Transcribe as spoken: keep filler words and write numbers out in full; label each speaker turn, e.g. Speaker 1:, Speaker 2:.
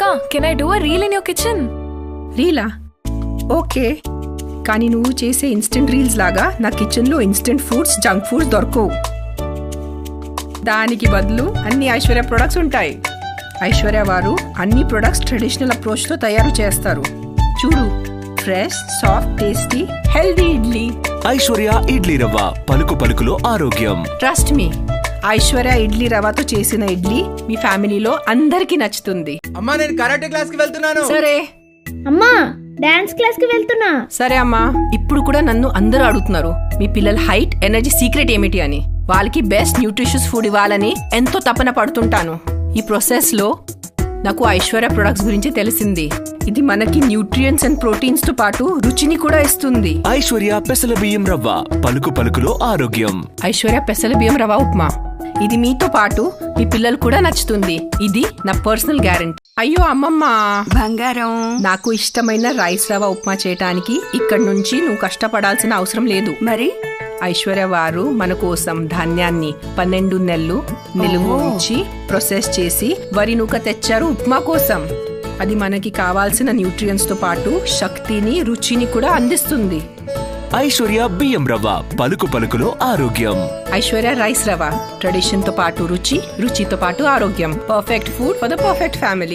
Speaker 1: Can I do a reel in your kitchen?
Speaker 2: రీలా? Okay, కానీ నువ్వు చేసే ఇన్స్టెంట్ రీల్స్ లాగా నా కిచెన్లో ఇన్స్టెంట్ ఫుడ్స్, జంక్ ఫుడ్స్ దొరకవు. దానికి బదులు అన్ని ఐశ్వర్య ప్రొడక్ట్స్ ఉంటాయి. ఐశ్వర్య వారు అన్ని ప్రొడక్ట్స్ ట్రెడిషనల్ అప్రోచ్తో తయారు చేస్తారు. చూడు, fresh, soft, tasty, healthy idli.
Speaker 3: Aishwarya idli rava, పలుకు పలుకులో ఆరోగ్యం.
Speaker 2: ట్రస్ట్ మీ, ఐశ్వర్య ఇడ్లీ రవ్వతో చేసిన ఇడ్లీ మీ ఫ్యామిలీలో అందరికి నచ్చుతుంది.
Speaker 4: అమ్మా, నేను కరాటే క్లాస్ కి వెళ్తున్నాను.
Speaker 2: సరే
Speaker 5: అమ్మా, డాన్స్ క్లాస్ కి వెళ్తున్నా.
Speaker 2: సరే అమ్మా. ఇప్పుడు కూడా నన్ను అందరూ అడుగుతున్నారు మీ పిల్లల హైట్, ఎనర్జీ సీక్రెట్ ఏమిటి అని. వాళ్ళకి బెస్ట్ న్యూట్రిషియస్ ఫుడ్ ఇవ్వాలని ఎంతో తపన పడుతుంటాను. ఈ ప్రాసెస్ లో నాకు ఐశ్వర్య ప్రొడక్ట్స్ గురించి తెలిసింది. ఇది మనకి న్యూట్రియంట్స్ అండ్ ప్రోటీన్స్ తో పాటు రుచిని కూడా ఇస్తుంది.
Speaker 3: ఐశ్వర్య పెసల బియ్యం రవ్వ, పలుకు పలుకులో ఆరోగ్యం.
Speaker 2: ఐశ్వర్య పెసల బియ్యం రవ్వ ఉప్మా, ఇది మీతో పాటు మీ పిల్లలు కూడా నచ్చుతుంది. ఇది నా పర్సనల్ గ్యారెంటీ. అయ్యో అమ్మమ్మ
Speaker 6: బంగారం,
Speaker 2: నాకు ఇష్టమైన రైస్ రవ్వ ఉప్మా చేయటానికి ఇక్కడ నుంచి నువ్వు కష్టపడాల్సిన అవసరం లేదు.
Speaker 6: మరి
Speaker 2: ఐశ్వర్య వారు మన కోసం ధాన్యాన్ని పన్నెండు నెలలు నిలువ ఉంచి ప్రాసెస్ చేసి వరి నూక తెచ్చారు ఉప్మా కోసం. అది మనకి కావాల్సిన న్యూట్రియంట్స్ తో పాటు శక్తిని, రుచిని కూడా అందిస్తుంది.
Speaker 3: ఐశ్వర్య బియ్యం రవ్వ, పలుకు పలుకులో ఆరోగ్యం.
Speaker 2: ఐశ్వర్య రైస్ రవ్వ, ట్రెడిషన్ తో పాటు రుచి, రుచితో పాటు ఆరోగ్యం. Perfect food for the perfect family.